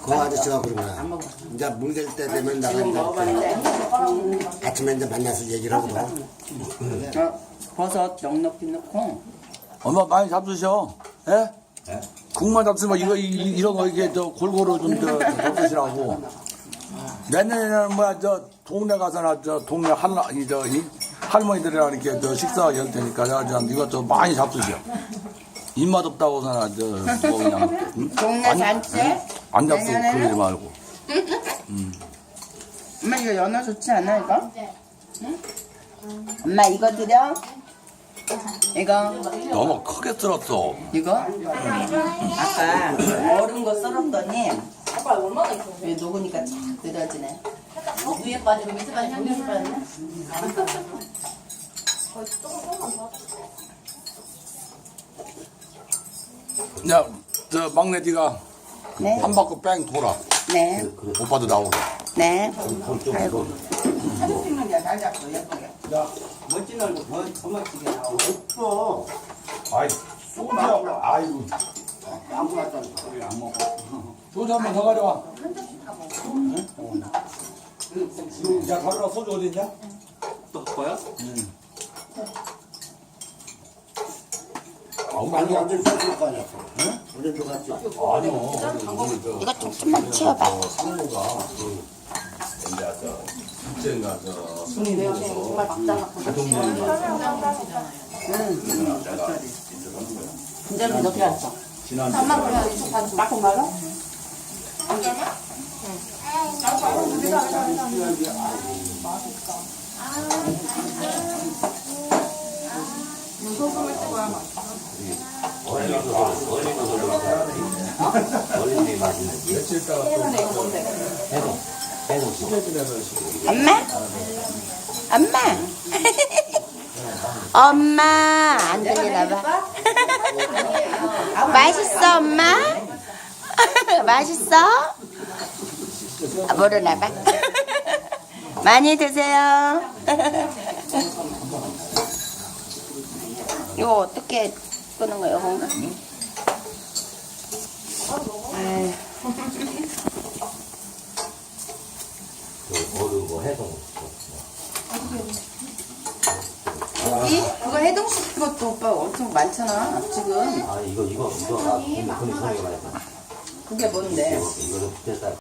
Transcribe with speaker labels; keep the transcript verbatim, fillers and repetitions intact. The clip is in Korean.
Speaker 1: 그 아저씨가 그러구나. 이제 물될 때 되면 나가
Speaker 2: 지금 먹어봤는데
Speaker 1: 이제 아침에 이제 만나서 얘기를 하거든.
Speaker 2: 어, 버섯 넉넉히 넣고
Speaker 3: 엄마 많이 잡수셔. 예? 국만 잡수면 이거 이, 이런 거 이게 저 골고루 좀저 잡수시라고. 내년에는 뭐야 저 동네 가서나 저 동네 할라 이저 이 할머니들이랑 이렇게 저 식사 열 테니까 내가 저 이것도 많이 잡수셔. 입맛 없다고서나 저뭐 그냥 응?
Speaker 2: 동네
Speaker 3: 안-
Speaker 2: 잔치?
Speaker 3: 응? 안 잡수
Speaker 2: 내년에는?
Speaker 3: 그러지 말고.
Speaker 2: 엄마 이거 연어 좋지 않아 이거? 응? 엄마 이거 드려? 이거
Speaker 3: 너무 크게 쓸었어.
Speaker 2: 이거? 아까 얼은 거 썰었더니 왜 녹으니까 착 늘어지네.
Speaker 4: 위에 빠지고 밑에 빠지고 밑에 빠지네.
Speaker 3: 야, 저 막내 네가
Speaker 2: 네,
Speaker 3: 한 바퀴 뺑 돌아.
Speaker 2: 네,
Speaker 3: 오빠도 나오고.
Speaker 2: 네.
Speaker 1: 아이고.
Speaker 2: 사진 찍는 게 잘 잡고 예쁘게.
Speaker 1: 야,
Speaker 2: 멋진 얼굴 더, 더 멋지게 나오고.
Speaker 1: 또. 아이, 소주하고, 아이고. 아무나 짠 소리 안 먹어.
Speaker 3: 소주 한 번 더 가져와. 야, 가져와. 소주 어디 있냐?
Speaker 5: 또 거야?
Speaker 1: 아니, 완전 쏠 거 아니야. 응? 우리 들어갔지.
Speaker 3: 아니요.
Speaker 2: 이거 조금만 치워봐.
Speaker 3: 상무가 그 이제 저 둘째가 저 순이
Speaker 4: 내가
Speaker 3: 되어서
Speaker 4: 정말 막 잘랐거든.
Speaker 3: 가족여행
Speaker 4: 진짜로 어떻게 알았어?
Speaker 3: 지난주에
Speaker 4: 엄마 그냥 이쪽 반 딱 말아?
Speaker 1: 어린이 맛있는 게.
Speaker 3: 며칠 있다가 또
Speaker 1: 해동. 해동.
Speaker 2: 엄마? 엄마? 엄마 안 들리나 봐. 맛있어 엄마? 맛있어? 아, 모르나 봐. 많이 드세요. 이거 어떻게 끄는 거예요, 건가? 아유.
Speaker 1: 어른 거 해동.
Speaker 2: 고기? 그거 해동시킨 것도 오빠 엄청 많잖아, 지금.
Speaker 1: 아, 이거, 이거, 이거, 아, 근데, 근데 소리가 많이 나.
Speaker 2: 그게 뭔데?
Speaker 1: 이거를 붙였다.